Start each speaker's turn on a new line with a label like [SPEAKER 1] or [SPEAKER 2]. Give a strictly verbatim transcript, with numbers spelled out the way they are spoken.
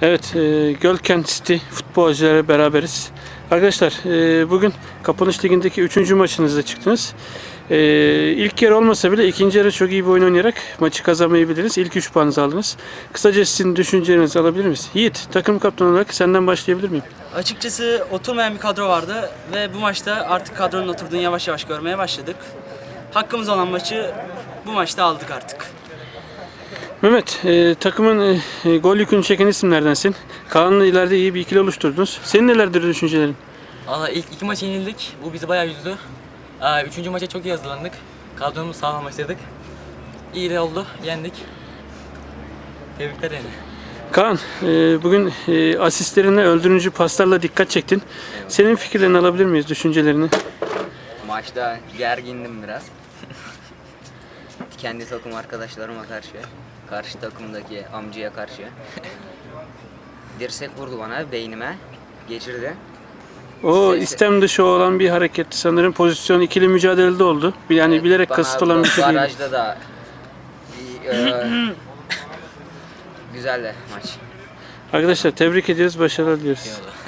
[SPEAKER 1] Evet, e, Gölkent City futbolcuları beraberiz. Arkadaşlar, e, bugün Kapanış Ligi'ndeki üçüncü maçınızda çıktınız. E, ilk yarı olmasa bile ikinci yarı çok iyi bir oyun oynayarak maçı kazanmayı bildiniz. İlk üç puanınızı aldınız. Kısaca sizin düşüncelerinizi alabilir miyiz? Yiğit, takım kaptanı olarak senden başlayabilir miyim?
[SPEAKER 2] Açıkçası oturmayan bir kadro vardı ve bu maçta artık kadronun oturduğunu yavaş yavaş görmeye başladık. Hakkımız olan maçı bu maçta aldık artık.
[SPEAKER 1] Mehmet, e, takımın e, gol yükünü çeken isimlerdensin. Kaan'la ileride iyi bir ikili oluşturdunuz. Senin nelerdir düşüncelerin?
[SPEAKER 3] Valla ilk iki maç yenildik. Bu bizi bayağı üzdü. Aa, Üçüncü maça çok iyi hazırlandık. Kadromuzu sağlamlaştırdık. İyi de oldu. Yendik. Tebrikler yani.
[SPEAKER 1] Kaan, e, bugün e, asistlerine öldürücü paslarla dikkat çektin. Senin fikirlerini alabilir miyiz, düşüncelerini?
[SPEAKER 4] Maçta gergindim biraz. Kendi takım arkadaşlarıma karşı, karşı takımdaki amcaya karşı. Dirsek vurdu bana, beynime geçirdi.
[SPEAKER 1] O
[SPEAKER 4] Sesi-
[SPEAKER 1] istem dışı olan bir hareketti sanırım. Pozisyon ikili mücadelede oldu. Yani
[SPEAKER 4] Evet,
[SPEAKER 1] bilerek
[SPEAKER 4] bana
[SPEAKER 1] kasıt olan bir şey değil.
[SPEAKER 4] Barajda da e, güzeldi maç.
[SPEAKER 1] Arkadaşlar tebrik ediyoruz, başarılar diliyoruz.
[SPEAKER 3] Eyvallah.